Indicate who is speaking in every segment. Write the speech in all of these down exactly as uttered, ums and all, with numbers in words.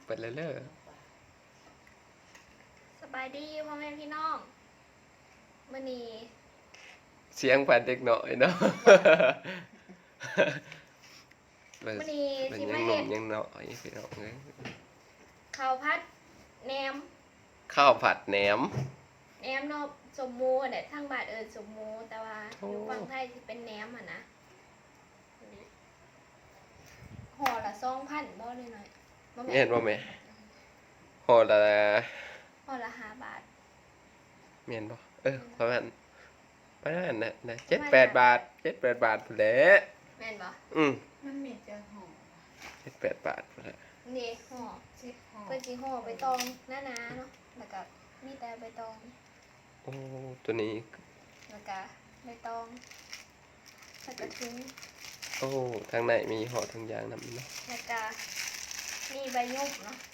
Speaker 1: เปิดเลยเด้อ
Speaker 2: สบายดีพ่อแม่พี่น้องมื้อนี้
Speaker 1: เสียงผ่านเด็กหน่อยเนาะ
Speaker 2: มื้อนี้
Speaker 1: มัน
Speaker 2: สิ
Speaker 1: ยัง
Speaker 2: มา
Speaker 1: หนุ่
Speaker 2: เฮ็
Speaker 1: ม
Speaker 2: ด
Speaker 1: ยังน้อยพี่น้องเอ้ย
Speaker 2: ข้าวผัดแหนม
Speaker 1: ข้าวผัดแหนม
Speaker 2: แหนมเนาะสมหมูอันเนี้ยทางบ้านเอิ้นสมหมูแต่ว่า
Speaker 1: โอ้
Speaker 2: อยู่ฝั่งไทยสิเป็นแหนมอ่ะนะห่อละสองพันบ่เลยหน่อยบ่
Speaker 1: แม่นบ่แม่ห่อละ
Speaker 2: ห่อละห้าบาท
Speaker 1: แม่นบ่เออประมาณประมาณน่ะนะเจ็ดแปดบาทเจ็ดแปดบาทพุ่นแหละ
Speaker 2: แม่นบ่
Speaker 1: อืม
Speaker 3: มันมีจะห่อ
Speaker 1: เจ็ดแปดบาทพุ่นแหละ
Speaker 2: นี่ห่อ
Speaker 3: สิบห่อ
Speaker 2: เพิ่นสิห่อใบตองหนาๆเนาะแล้วก็มีแต่ใบตอง
Speaker 1: โอ้ตัวนี้
Speaker 2: แล้วก็ใบตองแล้วก็ถุง
Speaker 1: โอ้ทางในมีห่อทางยางนำเนาะ
Speaker 2: แล้วก็มีใบยุ่มเนาะ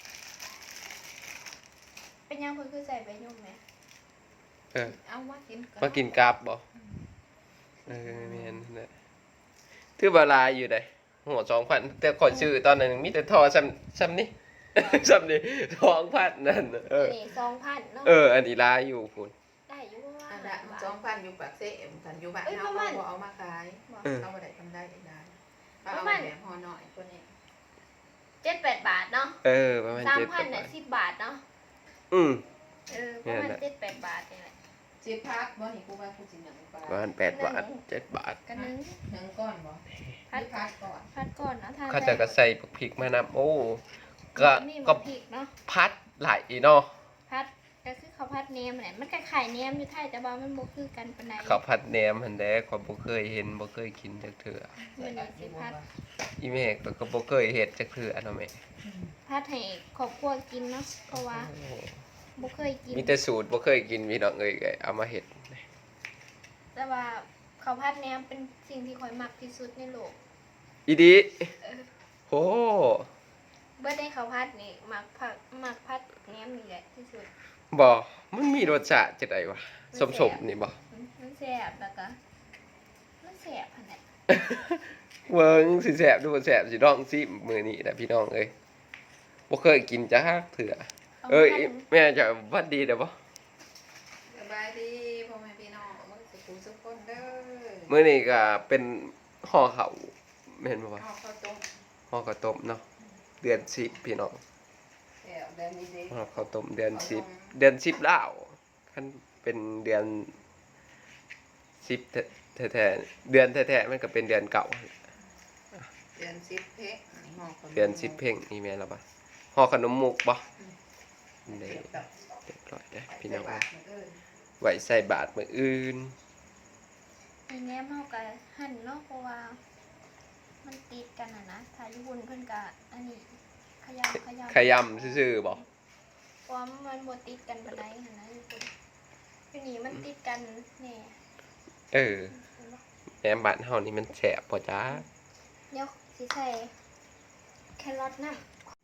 Speaker 2: เป็นยังเพิ่นคือใส่ใบยุ่มไหม
Speaker 1: เออ
Speaker 3: เอามากิน
Speaker 1: มากินกราบบ่เออแม่นนั่นแหละถือว่าหลายอยู่ได้หัวสองพันแต่ขอยซื้อตอนนั้นมีแต่ทอซ้ำซ้ำนี่ ซ้ำนี่สองพันนั่นเออ
Speaker 2: นี่สองพันเนาะ
Speaker 1: เออ อันนี้ลายอยู่คุณ
Speaker 2: ได้อยู่ว่า
Speaker 3: อันละสองพันอยู่ปากเซ่กันอยู่บ้านเฮาบ่เอามาขายเอาบ่ได้ทำได้ได้เอาเอาแบบห่อหน่อยคนนี้
Speaker 2: เจ็ดแปดบาทเนาะ
Speaker 1: เออ ประมาณ
Speaker 2: สาม
Speaker 1: เจ็ด
Speaker 2: พัน
Speaker 1: บา
Speaker 2: น่ะ
Speaker 1: ท
Speaker 2: สิบบาทเนาะ
Speaker 1: อืม
Speaker 2: เออประมาณ
Speaker 1: เนี่ยนะ
Speaker 2: เจ็ดแปดบาทนี่แหละ
Speaker 3: สิพักบ่นี่กูว่ากูสิหนึ่งปลา
Speaker 1: ประมาณแปดบาทเจ็ดบาท
Speaker 2: กันนึง
Speaker 3: หนึ่งก้อนบ่พัดพักก่อน
Speaker 2: พัดก่อนนะทาน
Speaker 1: เขาจะก็ใส่พริกมานำโอ้ ก็
Speaker 2: มี
Speaker 1: ก็
Speaker 2: มะพริกเนาะ
Speaker 1: พัดหลายอีเนาะ
Speaker 2: พัดก็คือข้าวผัดเนียมแหละมันก็ไข่เนียมอยู่ไทยแต่ว่ามันบ่คือกันปานใด
Speaker 1: ข้าวผัดแหนมหันแดขอยบ่เคยเห็นบ่เคยกินจักเทื่อ
Speaker 2: มื้อนี้สิพัด
Speaker 1: อีแม่ก็ก็บ่เคยเฮ็ดจักเทื่อเนาะแม่
Speaker 2: พัดให้ครอบครัวกินเนาะเพราะว่า
Speaker 1: โอ้
Speaker 2: บ่เคยกิน
Speaker 1: มีแต่สูตรบ่เคยกินพี่น้องเอ้ยก็เอามาเฮ็ด
Speaker 2: แต่ว่าข้าวผัดแหนมเป็นสิ่งที่ข่อยมักที่สุดในโลก
Speaker 1: อีดี
Speaker 2: เออ
Speaker 1: โอ้
Speaker 2: เบิดได้ข้าวผัดนี่มักผักมักผัดแหนมนี่แหละที่สุด
Speaker 1: บ่มันมีรสชาติจังไดวะสมๆนี่บ่
Speaker 2: มันมันแซ่บแล้วก็มันแซ่บหั่นแหละ
Speaker 1: เวิงสิแสบดูบ่แสบสิลองซิมื้อนี้แหละพี่น้องเอ้ยบ่เคยกินจักเถื่อเอ้ยแม่จะหวัดดีเด้อบ่
Speaker 3: สบายดีพ่อแม่พี่น้องมื้อสุขสุขคนเด้อ
Speaker 1: มื้อนี้ก็เป็นห่อข้าวแม่นบ่วะ
Speaker 3: เอาข้าวต้ม
Speaker 1: ห่อข้าวต้มเนาะเดือนสิบพี่น้อง
Speaker 3: แก้วเดือนนี้เด้
Speaker 1: ห่อข้าวต้มเดือนสิบเดือนสิบแล้วคันเป็นเดือนสิบแท้ๆเดือนแท้ๆมันก็เป็นเดือนเก่า
Speaker 3: เดือนสิบเพกห่อขนม
Speaker 1: เดือนสิบเพ่งนี่แม่นแล้วบ่ห่อขนมมุกบ่นี่
Speaker 3: เก็บดอก
Speaker 1: เรียบร้อยเด้อพี่น้อง
Speaker 3: ใส่
Speaker 1: เอ้ย
Speaker 3: บาทมื้ออื่น
Speaker 1: ไว้ใส่บาตรมื้ออื่น
Speaker 2: อันแหนมเฮาก็หั่นเนาะเพราะว่า มันติดกันน่ะนะถ้าอยู่บุญเพิ่นก็อันนี้ขยำขยำ
Speaker 1: ขยำซื่อๆบ่
Speaker 2: เพราะว่ามันบ่ติดกันปานใดหั่นนะอยู่บุญอยู่นี่มันติดกันแน่
Speaker 1: เออแหนมบ้านเฮานี่มันแซ่บบ่จ้า
Speaker 2: เดี๋ยวสิใส่แครอทนำ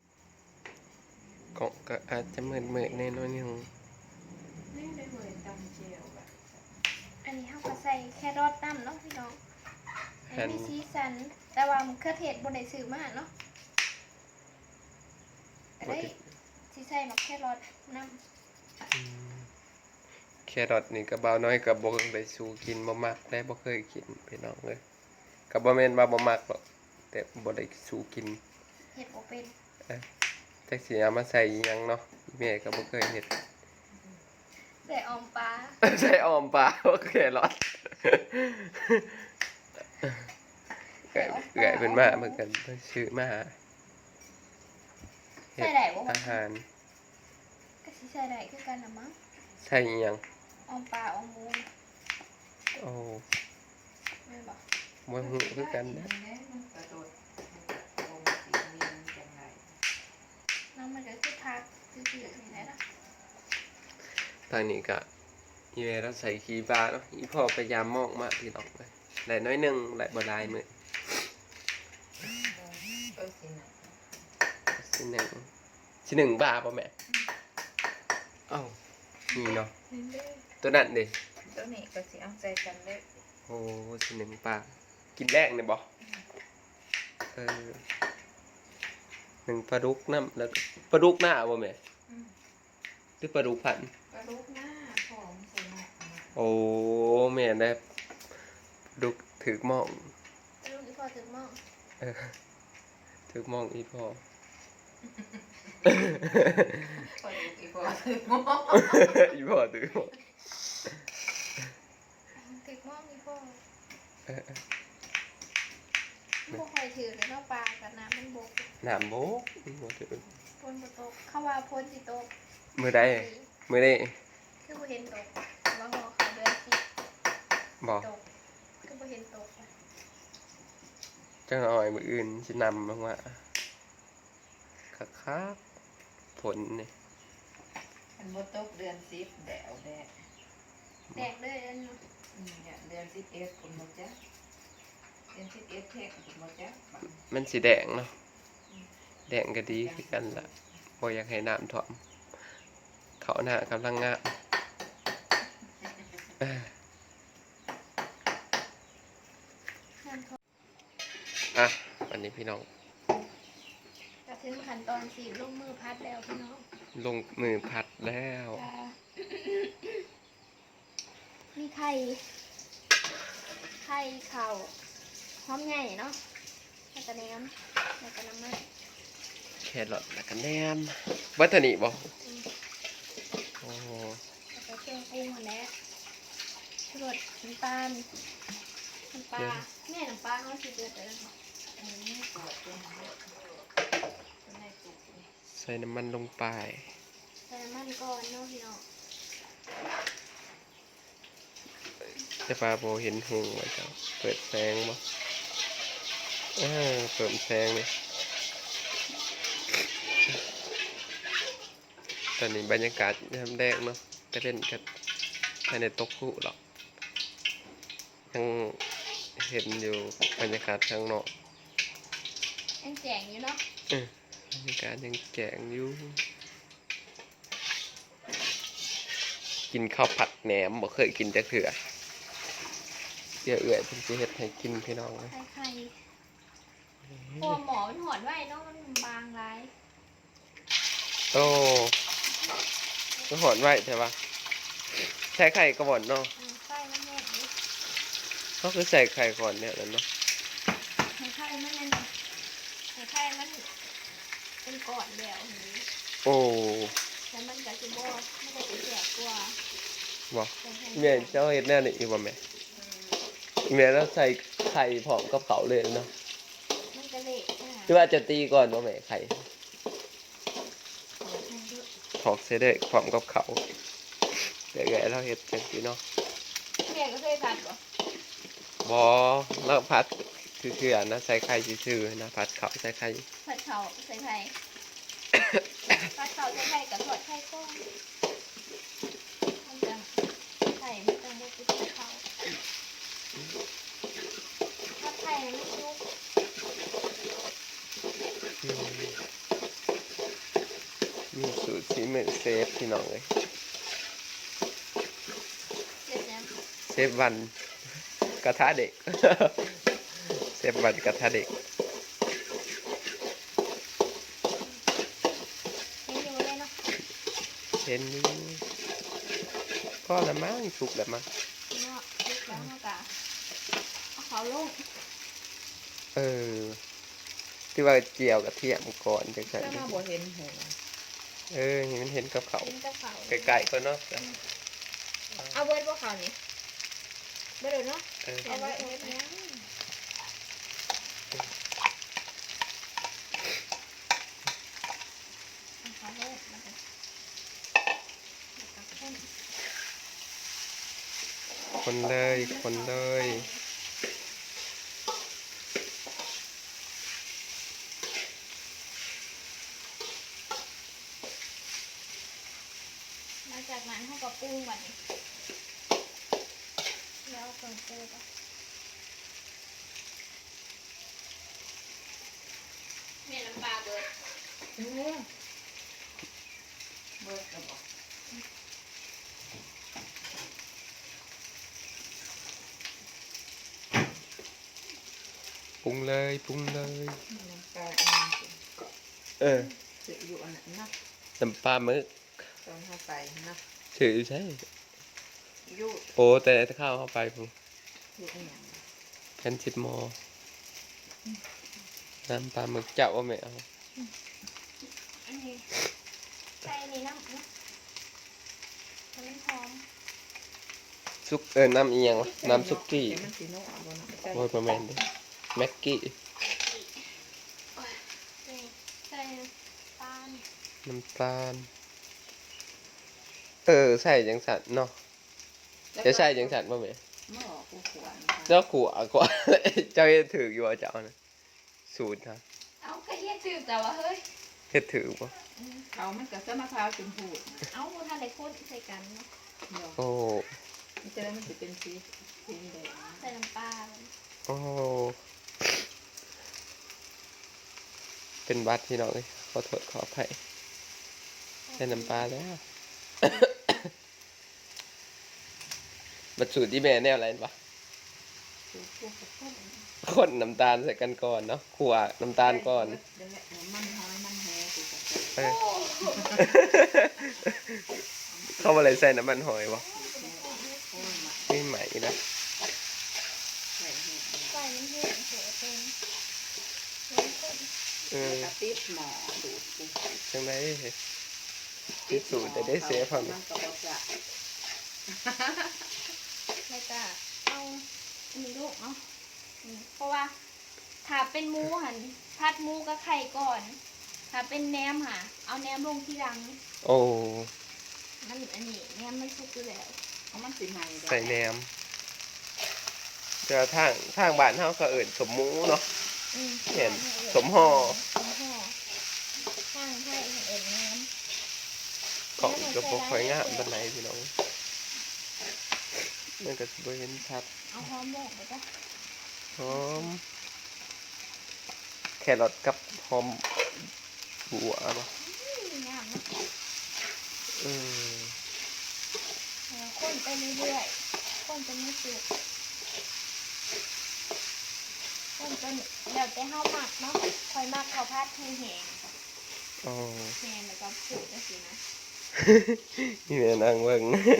Speaker 1: ก็ก็อาจจะเหมือนๆแน่นอนนึง
Speaker 3: นี่ได้เหมือนตำเจียวแบบ
Speaker 2: อันนี้เขาก็ใส่แครอทน้ำเนาะพี่น้องอันนี้มีสีสัน แต่ว่ามะเขือเทศบนได้ซื้อมาเนาะก็ได้สีใส่มะแครอทน้
Speaker 1: อืมแครอทนี่ก็บ่าวน้อยก็บ่ได้สู้กินบ่มักได้บ่เคยกินพี่น้องเอ้ยก็บ่แม่นว่าบ่มักหรอกแต่บ่ได้สู้กิน
Speaker 2: ำเห็ดบ่เป็น
Speaker 1: จักสิเอามาใส่อิหยังเนาะแม่ก็บ่เคยเฮ็ด
Speaker 2: ใส่ออมปลา
Speaker 1: ใส่ออมปลาโอเครอดเกิดเกิดเป็นมาเหมือนกันเพิ่นชื่อมาเฮ็
Speaker 2: ใส่
Speaker 1: ด
Speaker 2: ได้บ่วะ
Speaker 1: อาหาร
Speaker 2: ก็สิใส่ได้คือกันน่ะมั้ง
Speaker 1: ใส่อิหยัง
Speaker 2: ออมปลาออมหมู
Speaker 1: โอ้
Speaker 2: แม่นบ่
Speaker 1: บ่ฮู้คือกันนะ
Speaker 3: มันกระโดดลงสีมีนจังไร
Speaker 2: น้ำมันก็คือผักซื่อๆนี่แหละเนาะ
Speaker 1: ทางนี้ก็อีเวเราใส่ขี้ปลาเนาะอีพ่อพยายามมองมาพี่น้องเลยได้น้อยหนึงได้บ่หลายมื้อ
Speaker 3: เออสินะ
Speaker 1: สิหนึ่งสิหนึ่งบาทป่ะแม่เอ้ามีเนาะตัวนั้นดิ
Speaker 3: ตัวนี้ก็สิเอาใจกันเลย
Speaker 1: โอ้สิหนึ่งบาทกินแรกเนี่ยบ่เออหนึ่งปลาดุกน้ำแล้วปลาดุกหน้าบ่แม่
Speaker 3: อืม
Speaker 1: หรือปลาดุกพัน
Speaker 3: กระดูกหน้าผอมใส่หน้า
Speaker 1: โอ้แม่นได้ปลาดุกถือหมอง
Speaker 2: ลูกอีพ่อถึงหม้อ
Speaker 1: เออถือหมองอีพ่อ
Speaker 3: กระดูกอีกว่าถึงหม้อ
Speaker 1: อีพ่อถือหมอง
Speaker 2: ถึงหม้ออีพ่อ
Speaker 1: เออ
Speaker 2: พวกคอยถือเลยเนาะปลากับน้ำมันบก
Speaker 1: น้ำโบกบ่ถือ
Speaker 2: พ่นบตกเข้าว่าพ่นสิตก
Speaker 1: มื้อใดมื้อนี้
Speaker 2: คือบ่เห็นตกว่าหอเขาเดือนสิ
Speaker 1: บ่
Speaker 2: ตกคือบ่เห็นตกอะ
Speaker 1: จังหน่อยมื้ออื่นสินำลงมาคักๆผลนี่
Speaker 3: มันบ่ตกเดือนสิบแดวแดด
Speaker 2: แดกเลยอันนี้
Speaker 3: อืมเนี่ยเดือนสิบเอ็ดคุณหมดจ้ะเดือนสิบเอ็ดเทคคุณหมดจ้ะ
Speaker 1: มันสิแดงเนาะแดงก็ดีคือกันล่ะบ่อยากให้น้ำท่วมเขาหน้ากำลังงามเอ้อ
Speaker 2: น้ำทอด
Speaker 1: อ่ะวันนี้พี่น้อง
Speaker 2: จะถึงขั้นตอนสีลงมือพัดแล้วพี่น้อง
Speaker 1: ลงมือพัดแล้ว
Speaker 2: จะมีไข่ ไข่เข่าหอมใหญ่เนาะแล้วก็แหนมแล้วก็น้ำมัน
Speaker 1: แครอทแล้วก็แหนมวัตถุนิบ่
Speaker 2: อืม
Speaker 1: โอ้
Speaker 2: แล้วก็เครื่องปรุงหมดแล้วชูรสน้ำตาลน้ำปลาแม่น้ำปลาเขาสิเดือดเดือด
Speaker 3: อันนี้ปวดเป็นในตุก
Speaker 1: ใส่น้ำมันลงไป
Speaker 2: ใส่น้ำมันก่อนเนาะพี่น้อง
Speaker 1: จะปลาโบเห็นหงไว้เจ้าเปิดแสงบ่เออเปิดแสงนี่ตอนนี้บรรยากาศยามแดงเนาะจะเล่นกันภายในโต๊ะคู่หรอกยังเห็นอยู่บรรยากาศข้างนอก
Speaker 2: ยังแจงอยู่เนาะ
Speaker 1: เออบรรยากาศยังแจ๋งอยู่กินข้าวผัดแหนมบ่เคยกินจักเถื่อเดี๋ยวเอื่อยเพิ่นสิเฮ็ดให้กินพี่น้องเลย
Speaker 2: ไข่ไข่พอหมอมันหอดไว้เนาะมันบางไร
Speaker 1: โอ้ก็หอนไว้ใช่ปะใส่ไข่ก่อนเนาะ
Speaker 2: อืมไข่มันแห้งดิ
Speaker 1: เขาคือใส่ไข่ก่อนเนี่ยแล้วเนาะ
Speaker 2: ไข่ไข่มันนั่นไข่ไข่มันเป็นก้อนแล้วอย่างนี้
Speaker 1: โอ้
Speaker 2: แล้วมันก็จะบอมันก็จะแสบกว่า
Speaker 1: บ่
Speaker 2: แต่แห้ง
Speaker 1: แม่เจ้าเฮ็ดแน่นี่อีบ่แม่อีแม่แล้วใส่ไข่พร้อมกับเขาเลยเนาะ
Speaker 2: มันก็เละอ่ะ
Speaker 1: คือว่าจะตีก่อนบ่แม่ไข่
Speaker 2: มันก็
Speaker 1: ถอกเสยเด้อพร้อมกับเขาเดี๋ยวๆเราเฮ็ดจังซี่เนาะ
Speaker 2: แม่ก็เคยผัดบ่
Speaker 1: บ่แล้วผัดคือๆนะใส่ไข่ซื่อๆนะผัดเขาใส่ไข่
Speaker 2: ผัดเขาใส่ไข่ ผัดเขาใส่ไข่กับทอดไข่ก้อนมันจะไข่มันจะบุกไปเขาทอดไข่มันไม่ชุบ
Speaker 1: อืมมีสูตรสีมือเซฟพี่น้องเลย
Speaker 2: เด็ดยัง
Speaker 1: เซฟวันกระทะเด็ก เซฟวันกระทะเด็ก
Speaker 2: เห็นอยู่เลยเนาะ
Speaker 1: เห็นอยู่ก็ละมั้งสุกละมั้ง
Speaker 2: เนาะลุกแล้วเนาะกะเอาเขาลง
Speaker 1: เออที่ว่าเจียวกระเทียมก่อนจังซั่น
Speaker 3: ถ้ามาบ่เห็นหัว
Speaker 1: เออเห็นมันเห็นกับเขา
Speaker 2: กินกับเขา
Speaker 1: ไกลๆก็เนาะ
Speaker 2: เอาเบิร์ดพวกเขานี่เบิร์ดเนาะ
Speaker 1: เออ
Speaker 2: เอาไว้เอาไว้นะเอาเขาลงแล้วก็แล้วก็คน
Speaker 1: คนเลยคนเลย
Speaker 2: หลังจากนั้นเขาก็ปรุงก่อนแล้วเอาเครื่องปรุงก่อนแม่น้ำปลาเบิร์ด
Speaker 3: เออเบิดกระบอก
Speaker 1: ปรุงเลยปรุงเลย
Speaker 3: น้ำปลาอันนี้
Speaker 1: เออ
Speaker 3: ซื้ออยู่อันนั้นเนาะ
Speaker 1: น้ำปลาหมึก
Speaker 3: ตอนเข้าไปเนาะ
Speaker 1: ชื่อใช่
Speaker 3: อยู่
Speaker 1: โอ้แต่ถ้าเข้าเข้าไปผม
Speaker 3: อยู่อันนั้น
Speaker 1: แคนชิดมอน้ำปลาหมึกเจ้าว่าไม่เอา
Speaker 2: อันนี้ใส่ในน้ำนะมันหอม
Speaker 1: ซุกเออน้ำเอียงวะน้ำซุกี้
Speaker 3: เดี๋ยวมันสีโน่เอาบ่เนาะใส่
Speaker 1: โอ้ยประมาณนี้แม็กกี้
Speaker 2: นี่ใส่ตาล
Speaker 1: น้ำตาลเออใส่จังสันเนาะจะใส่จังสันป่ะแม่
Speaker 3: หม้อกูขวาน
Speaker 1: เจ้าขัวกว่า เจ้าเฮ็ดถืออยู่ว่าเจ้านะสูตรนะ
Speaker 2: เอากระเทียมจืดแต่ว่าเฮ้ย
Speaker 1: เฮ็ดถือป่ะ
Speaker 3: เอามันกับเส้นมะพร้าวจุ่มพูด
Speaker 2: เอาท่านได้โคตรใส่กันเนาะ
Speaker 3: เนาะ
Speaker 1: โอ้
Speaker 3: มันจะได้มันจะเป็นสีสีแดง
Speaker 2: ใส่น้ำปลาเลย
Speaker 1: โอ้เป็นบัตรพี่น้องเลยขอโทษขออภัยใส่น้ำปลาแล้ว บัตรสูตรที่แม่แนวอะไรปะ
Speaker 3: สูตรพวกกับต้น
Speaker 1: คนน้ำตาลใส่กันก่อนเนาะขั่วน้ำตาลก่อน
Speaker 3: เดี๋ยวแหละมันหอยมันแห้กูกับ
Speaker 1: เออ เข้ามาเลยใส่น้ำมันหอยวะ
Speaker 3: โอ้ยมา
Speaker 1: ไม่ใหม่นะ
Speaker 3: ใส่เห็ด
Speaker 2: ใส่น้ำเห็ดเสือเป็นน้ำข้น
Speaker 1: เออ
Speaker 3: แล้วก็ติดหม้อสูตรกู
Speaker 1: จังไรที่สูตรแต่ได้เสียความ
Speaker 3: มันก็บอกจะ
Speaker 2: แล้วก็เอาอันนี้ลูกเนาะอืมเพราะว่าถ้าเป็นหมูหันพัดหมูกับไข่ก่อน ถ้าเป็นแหนมค่ะ เอาแหนมลงทีหลัง
Speaker 1: โอ้
Speaker 2: มันอันนี้แหนมมันสุกอยู่แล้ว
Speaker 3: เพราะมันสีใหม่
Speaker 1: ใส่แหนมเจอทางทางบ้านเฮาก็เอิ่นสมหมูเนาะ
Speaker 2: อืม
Speaker 1: เห็นสมห่อ
Speaker 2: สมห่อข้างให้เอ็นแหนม
Speaker 1: ของกระบอกหอยงามบันไดพี่น้องมันก็สิบ่เห็นชัด
Speaker 2: เอาหอมโบกไปจ้ะ
Speaker 1: หอมแครอทกับหอมบัวเนาะ
Speaker 2: อืมงามนะ
Speaker 1: อืม
Speaker 2: แล้วข้นไปเรื่อยๆข้นจนไม่สุกข้นจนแล้วแต่เฮาหมักเนาะคอยหมักข้าวผัดให้แห้ง
Speaker 1: อ๋อ
Speaker 2: แห้งแล้วก็สุกจังซี่นะ
Speaker 1: นี่แม่นางเบิ่ง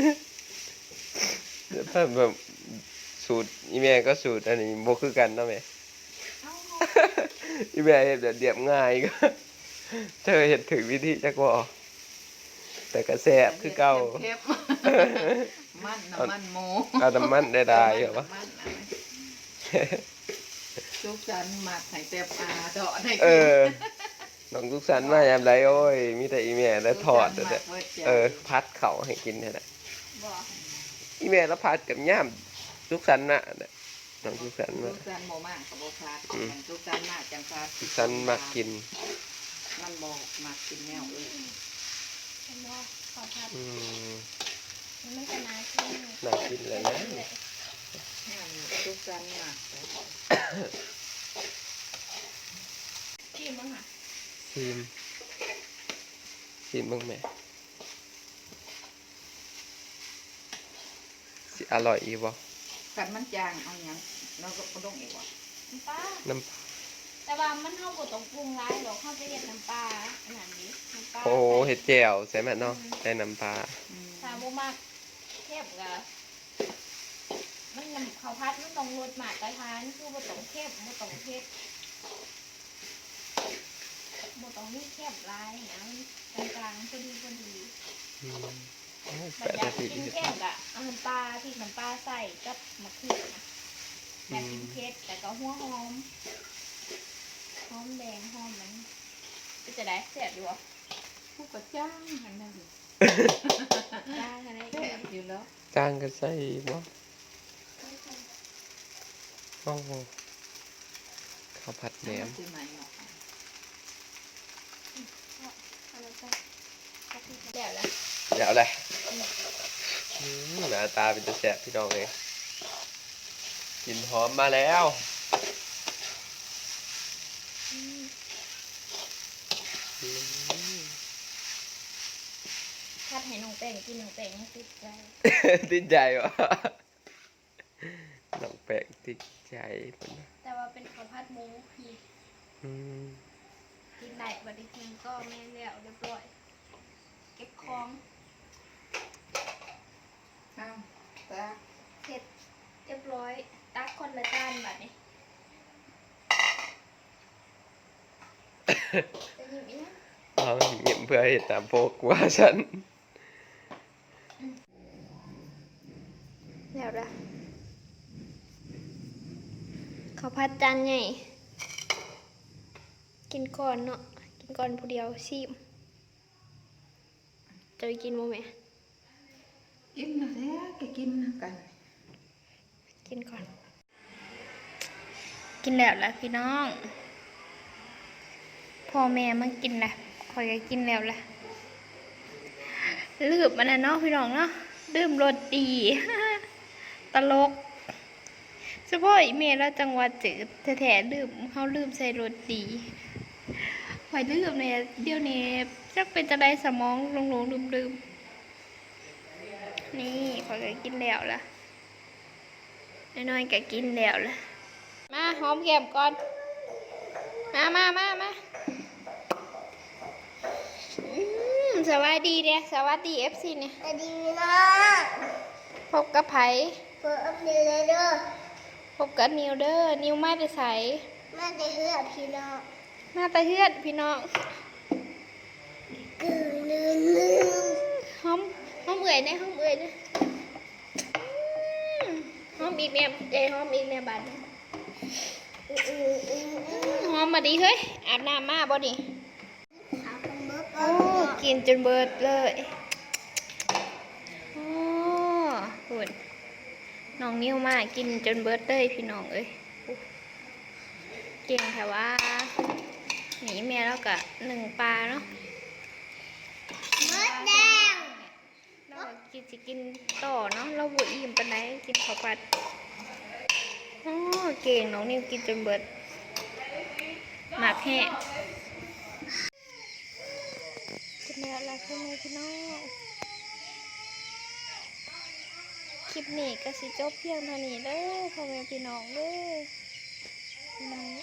Speaker 1: ถ้าแบบสูตรอีแม่ก็สูตรอันนี้บ่คือกันเนาะแม่
Speaker 2: เอาเฮา
Speaker 1: อีแม่เฮ็ดแบบเรียบง่ายก็ เธอเฮ็ดถึงวิธีจักบ่แต่ก็แซ่บคือเก่า
Speaker 3: เข้มมันน้ำมันหมู
Speaker 1: เอาน้ำมันได้ได้เหรอวะ
Speaker 3: มันอะไรทุกจันหมักไข่เต็บอาเดาะใน
Speaker 1: เออน้องทุกสันมายามไรโอ้ย มีแต่อีแม่แล้วทอดแต่แต่เออ พัดเขาให้กินแค่นั้น
Speaker 2: บ่
Speaker 1: อีแม่แล้วพัดกับย่ามทุกสันน่ะเนี่ยน้องทุกสัน
Speaker 3: ทุ
Speaker 1: มาก
Speaker 3: จันโมมากกับโบคาดทุกจันมากจังคาด
Speaker 1: ทุกสันมากิน
Speaker 3: มันบอกมากกินแนวอื่น
Speaker 2: เห็นบ่ข้าวผัด
Speaker 1: อืม
Speaker 2: มันก็น่ากิน
Speaker 1: น่ากินเลยนะ
Speaker 3: ทุกจันมาก
Speaker 2: กินมั้งค่ะ
Speaker 1: ชิมชิมบ้างแม่สิอร่อยอีบ่
Speaker 3: กันมันจางเอาอย่างเราก็ต้องอีกว่า
Speaker 2: น้ำปลา
Speaker 1: น้
Speaker 2: แต่ว่ามันเฮาบ่ต้องปรุงหลายหรอกเฮาจะเฮ็ดน้ำปลาอันนั้นดิน้ำปลา
Speaker 1: ำโอ้เห็ดแจ่วใส่แม่เนาะใส่น้ำปลา
Speaker 2: ถ้าบ่มักเค็มก็มันน้ำข้าวผัดมันต้องรสมาตรฐานคือบ่ต้องเค็มบ่ต้องเผ็ดบ่ต้องมีเค็มหลายนะมันกลางๆพอดีพอดี
Speaker 1: อืมโอ้ย
Speaker 2: บั
Speaker 1: แป
Speaker 2: ด
Speaker 1: ด
Speaker 2: อยา
Speaker 1: นาที
Speaker 2: กกินเค็มก็เอาน้ำปลาพริกน้ำปลาใส่กับมะเขือนะอยากกินเผ็ดแต่ก็หัวหอมหอมแดงหอมมันเป็นจะได้แซ่บอยู่บ่
Speaker 3: ผู้กระจ้างหันนั่น
Speaker 2: ได้อะไร
Speaker 3: แซ่บอยู่แล้ว
Speaker 1: จางก็ใส่บ่โอ้โหข้าวผัดแหนม
Speaker 3: คือใหม่เนาะ
Speaker 2: อะไรจ้ะเดี๋ยวละ
Speaker 1: เดี๋ยวเลยอืมหน้าตาเป็นตะแสบพี่น้องเลยกลิ่นหอมมาแล้ว
Speaker 2: อืม
Speaker 1: อืม
Speaker 2: ถ้าให้น้องแป้งกินน้องแป้งให้ติดใจ
Speaker 1: ติดใจวะน้องแปลกติดใจพุ่นน่ะ
Speaker 2: แต่ว่าเป็นข้าวผัดหมูพี่
Speaker 1: อืม
Speaker 2: กินได้บัดนี้คืองก็แม่แล้วเรียบร้อยเก็บของ
Speaker 3: เอาตา
Speaker 2: เสร็จเรียบร้อยตักคนละจานแบบนี้จะหยิบอีกนะ
Speaker 1: เอาเงียบเพื่อเห็นตามโปกว่าฉัน
Speaker 2: แล้วละข้าวผัดจานใหญ่กินก่อนเนาะกินก่อนผู้เดียวชิมจะไปกินโมแม่
Speaker 3: กินนะแท้แกกินกัน
Speaker 2: กินก่อน กินแล้วละพี่น้องพ่อแม่มากินละคอยก็กินแล้วละลืมมันนะเนาะพี่น้องเนาะลืมรสดี ตลกเฉพาะอีเมลแล้วจังหวัดจืดแท้ๆลืมเขาลืมใส่รสดีคอยลืมเนี่ยเดี๋ยวนี้จักเป็นจะได้สมองหลงๆลืมๆนี่คอยก็กินแล้วละน้อยๆก็กินแล้วละมาหอมแก้มก่อนมามามามาอืมสวัสดีเนี่ยสวัสดีเอฟซีเนี่ย
Speaker 4: สวัสดีนะ
Speaker 2: พบกับไผ
Speaker 4: เปิดอัพเดทเลยเด้อ
Speaker 2: พบกับนิวเดอร์นิวมาแต่ใส
Speaker 4: มาได้เฮือพี่น้อง
Speaker 2: มาแต่เฮือนพี่น้อง
Speaker 4: กึ่งลืมลืม
Speaker 2: หอมหอมเอื่อยเนี่ยหอมเอื่อยเนี่ยอืมหอมอีกเนี่ยเจหอมอีกเนี่ยบัดนี้
Speaker 4: อืออืออืออือ
Speaker 2: หอมมาดีเฮ้ยอาบน้ำมาบ่ดิ
Speaker 4: เอาคนเบิก
Speaker 2: โอ้กินจนเบิดเลยโอ้หุ่นน้องนิวมากินจนเบิดเลยพี่น้องเอ้ยเก่งแต่ว่าหนีแม่แล้วก็หนึ่งปลาเนาะ
Speaker 4: เบิกแดง
Speaker 2: เราก็กินสิกินต่อเนาะเราบุอิ่มปานใดกินข้าวผัดโอ้เก่งน้องนิวกินจนเบิดหมักแห้งกินแล้วล่ะพี่แม่พี่น้องคลิปนี้ก็สิจบเพียงเท่านี้เด้อพ่อแม่พี่น้องเด้อน้อง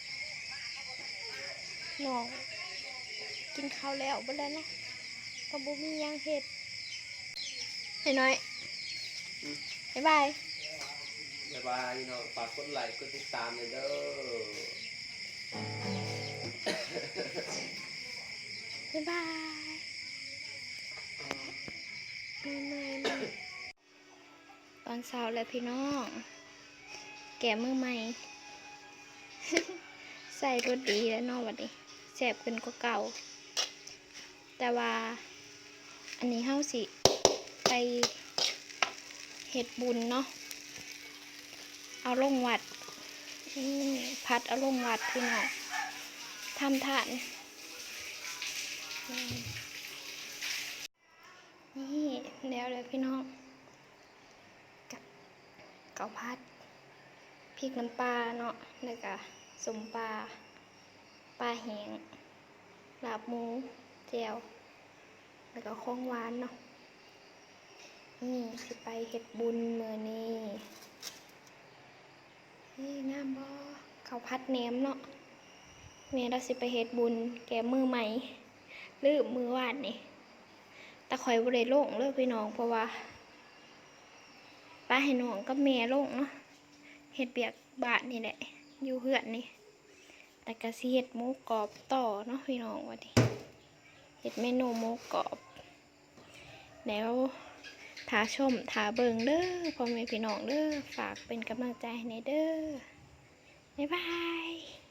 Speaker 2: น้องกินข้าวแล้วบ่แล้วเนาะก็บ่มีหยังเฮ็ดน้อยๆบ๊ายบาย
Speaker 1: บ๊ายบายพี่น้องฝากกดไลค์กดติดตามเลยเด้อ
Speaker 2: บ๊ายบายไม่ไม่ไม่ตอนเช้าแล้วพี่น้อง แกะมือใหม่ ใส่รสดีแล้วเนอกวันนี้แสบขึ้นกว่าเก่า แต่ว่า อันนี้เฮาสิ ไปเฮ็ดบุญเนาะ เอาลงวัดอืมพัดเอาลงวัดพี่น้องทำทาน นี่แล้วเลยพี่น้องกับเกาพัดพริกน้ำปลาเนาะแล้วก็สมปลาปลาแห้งลาบหมูแจ่วแล้วก็ของหวานเนาะนี่สิไปเฮ็ดบุญมื้อนี้นี่งามบ่ข้าวผัดแหนมเนาะแม่เราสิไปเฮ็ดบุญแก่มือใหม่ลืมมือวาดนี่แต่ข่อยบ่ได้ลงเลยพี่น้องเพราะว่าป้าให้น้องกับแม่ลงเนาะเฮ็ดเบียกบาทนี่แหละอยู่เฮือนนี่แต่ก็สิเฮ็ดหมูกรอบต่อเนาะพี่น้องว่าดิเฮ็ดเมนูหมูกรอบแล้วถ้าชมถ้าเบิ่งเด้อพ่อแม่พี่น้องเด้อฝากเป็นกำลังใจให้เด้อบ๊ายบาย